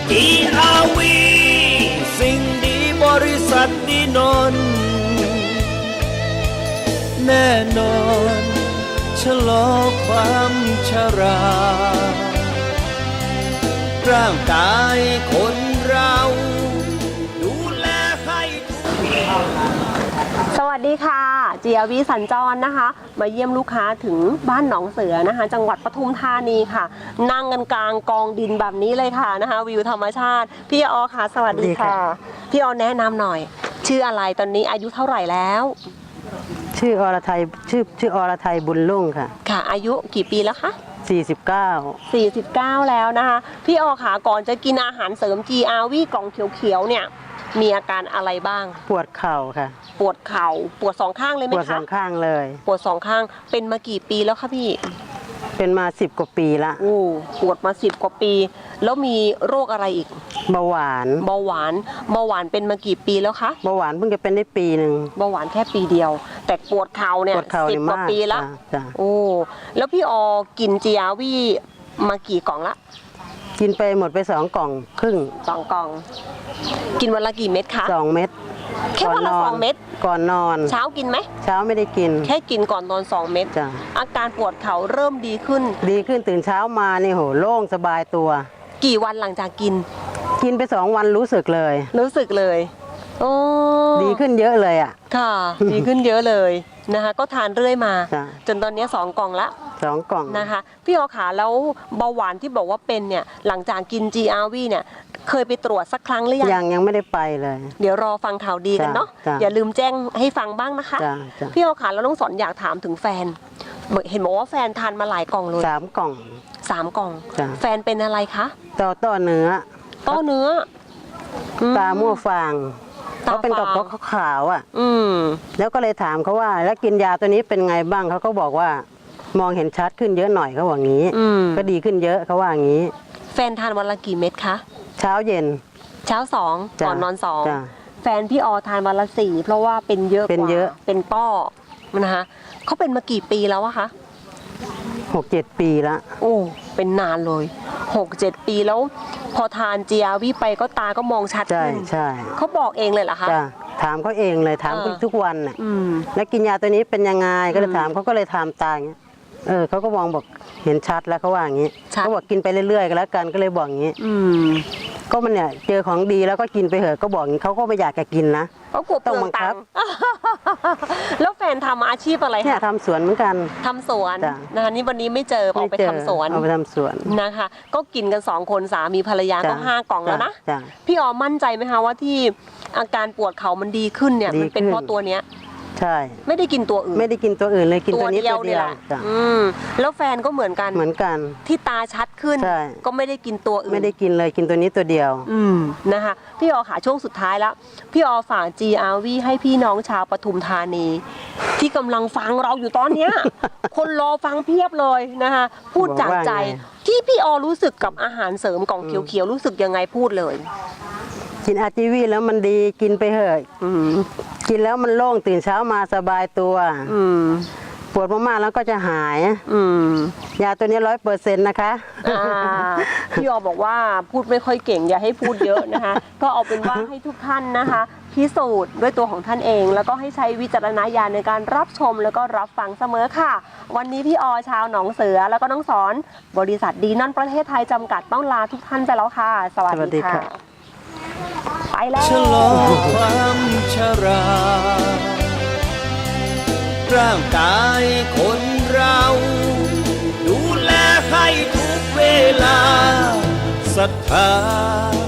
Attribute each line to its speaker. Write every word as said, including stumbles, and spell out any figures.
Speaker 1: จี อาร์ วี สิ่งดีบริษัทดีนนท์แน่นอนชะลอความชราร่างกายคนเราดูแลให้ทุก
Speaker 2: สวัสดีค่ะ จี อาร์ วี สัญจรนะคะมาเยี่ยมลูกค้าถึงบ้านหนองเสือนะคะจังหวัดปทุมธานีค่ะนั่งกันกลางกองดินแบบนี้เลยค่ะนะคะวิวธรรมชาติพี่ออค่ะสวัสดีค่ะพี่ออแนะนำหน่อยชื่ออะไรตอนนี้อายุเท่าไหร่แล้ว
Speaker 3: ชื่ออรไทยชื่อชื่ออรไทยบุญรุ่งค่ะ
Speaker 2: ค่ะอายุกี่ปีแล้วคะ
Speaker 3: สี่สิบเก้า
Speaker 2: สี่สิบเก้าแล้วนะคะพี่ออค่ะก่อนจะกินอาหารเสริม จี อาร์ วี กล่องเขียวๆเนี่ยมีอาการอะไรบ้าง
Speaker 3: ปวดเข่าค่ะ
Speaker 2: ปวดเข่าปวดสองข้างเลยไหมคะ
Speaker 3: ปวดสองข้างเลย
Speaker 2: ปวดสองข้างเป็นมากี่ปีแล้วคะพี่
Speaker 3: เป็นมาสิบกว่าปีละ
Speaker 2: โอ้ปวดมาสิบกว่าปีแล้วมีโรคอะไรอีก
Speaker 3: เบาหวาน
Speaker 2: เบาหวานเบาหวานเป็นมากี่ปีแล้วคะ
Speaker 3: เบาหวานเพิ่งจะเป็นได้ปีหนึ่ง
Speaker 2: เบาหวานแค่ปีเดียวแต่ปวดเข่าเนี่ยสิบกว่าปีละโอ้แล้วพี่ออกิน จี อาร์ วี มากี่กล่องละ
Speaker 3: กินไปหมดไปสองกล่องครึ่ง
Speaker 2: สองกล่องกินวันละกี่เม็ดคะ
Speaker 3: สองเม็ด
Speaker 2: แค่วันละสองเม็ด
Speaker 3: ก่อนนอน
Speaker 2: เช้ากินไหม
Speaker 3: เช้าไม่ได้กิน
Speaker 2: แค่กินก่อนนอนสองเม็ดอาการปวดเข่าเริ่มดีขึ้น
Speaker 3: ดีขึ้นตื่นเช้ามานี่โหโล่งสบายตัว
Speaker 2: กี่วันหลังจากกิน
Speaker 3: กินไปสองวันรู้สึกเลย
Speaker 2: รู้สึกเลยโอ้
Speaker 3: ดีขึ้นเยอะเลยอ่ะ
Speaker 2: ค่ะดีขึ้นเยอะเลยนะคะก็ทานเรื่อยมาจนตอนนี้สองกล่องละ
Speaker 3: สองกล่อง
Speaker 2: นะคะพี่ออขาแล้วเบาหวานที่บอกว่าเป็นเนี่ยหลังจากกิน จี อาร์ วี เนี่ยเคยไปตรวจสักครั้งหรือยัง
Speaker 3: ยังยังไม่ได้ไปเลย
Speaker 2: เดี๋ยวรอฟังข่าวดีกันเนาะอย่าลืมแจ้งให้ฟังบ้างนะคะพี่ออขาแล้วน้องสอนอยากถามถึงแฟนเห็นบอกว่าแฟนทานมาหลายกล่องเลย
Speaker 3: สามกล่อง
Speaker 2: สามกล่องแฟนเป็นอะไรคะ
Speaker 3: ต่อต่อเนื้อ
Speaker 2: ต่อเนื้อ
Speaker 3: ตามั่วฟางเขาเป็นกับเขาขาวอ่ะ
Speaker 2: อืม
Speaker 3: แล้วก็เลยถามเขาว่าแล้วกินยาตัวนี้เป็นไงบ้างเขาก็บอกว่ามองเห็นชัดขึ้นเยอะหน่อยเขาบอกงี้ก็ดีขึ้นเยอะเขาว่างี้
Speaker 2: แฟนทานวันละกี่เม็ดคะ
Speaker 3: เช้าเย็น
Speaker 2: เช้าสองก่อนนอนสองแฟนพี่ออทานวันละสี่เพราะว่าเป็นเยอะ
Speaker 3: เป็นเยอะ
Speaker 2: เป็นป้อนะคะเขาเป็นมากี่ปีแล้วอะคะ
Speaker 3: หกเจ็ดปีละ
Speaker 2: โอ้เป็นนานเลยหกเจ็ดปีแล้วพอทาน จี อาร์ วี ไปก็ตาก็มองชัดขึ้น
Speaker 3: ใช่
Speaker 2: เขาบอกเองเลยเหรอคะ
Speaker 3: ถามเขาเองเลยถามทุกวันน่ะแล้วกินยาตัวนี้เป็นยังไงก็เลยถามเขาก็เลยถามตาอย่างเงี้ยเออเขาก็มองบอกเห็นชัดแล้วเขาว่าอย่างนี้เขาบอกกินไปเรื่อยๆก็แล้วกันก็เลยบอกอย่างนี้ก็มันเนี่ยเจอของดีแล้วก็กินไปเถอะก็บอกอย่างนี้เขาก็ไม่อยากจะกินนะ
Speaker 2: ต้องบังคับแล้วแฟนทำอาชีพอะไรคะ
Speaker 3: เนี่ยทำสวนเหมือนกัน
Speaker 2: ทำสวนนะคะนี่วันนี้ไม่เจอออกไปทำสวน
Speaker 3: เอาไปทำสวน
Speaker 2: นะคะก็กินกันสองคนสามีภรรยาก็ห้ากล่องแล้วนะพี่ออมั่นใจไหมคะว่าที่อาการปวดเข่ามันดีขึ้นเนี่ยมันเป็นเพราะตัวเนี้ย
Speaker 3: ใช่
Speaker 2: ไม่ได้กินตัวอื่น
Speaker 3: ไม่ได้กินตัวอื่นเลยกินตัวนี้ตัวเดียว
Speaker 2: อืมแล้วแฟนก็เหมือนกัน
Speaker 3: เหมือนกัน
Speaker 2: ที่ตาชัดขึ้นก็ไม่ได้กินตัวอื่น
Speaker 3: ไม่ได้กินเลยกินตัวนี้ตัวเดียว
Speaker 2: อืมนะคะพี่ออค่ะช่วงสุดท้ายแล้วพี่ออฝาก จี อาร์ วี ให้พี่น้องชาวปทุมธานีที่กำลังฟังเราอยู่ตอนเนี้ยคนรอฟังเพียบเลยนะคะพูดจากใจที่พี่ออรู้สึกกับอาหารเสริมกล่องเขียวๆรู้สึกยังไงพูดเลย
Speaker 3: กิน อาร์ จี วี แล้วมันดีกินไปเถอะกินแล้วมันโล่งตื่นเช้ามาสบายตัวปวดมากๆแล้วก็จะหายยาตัวนี้ร้อยเปอร์เซ็นต์นะคะ
Speaker 2: พี่ออบอกว่าพูดไม่ค่อยเก่งอย่าให้พูดเยอะนะคะก็เอาเป็นว่าให้ทุกท่านนะคะพิสูจน์ด้วยตัวของท่านเองแล้วก็ให้ใช้วิจารณญาณในการรับชมแล้วก็รับฟังเสมอค่ะวันนี้พี่ออชาวหนองเสือแล้วก็น้องสอนบริษัทดีนั่นประเทศไทยจำกัดต้องลาทุกท่านไปแล้วค่ะสวัสดีค่ะไปแล้ว
Speaker 1: ชะลอความชราร่างกายคนเราดูแลให้ทุกเวลาศรัทธา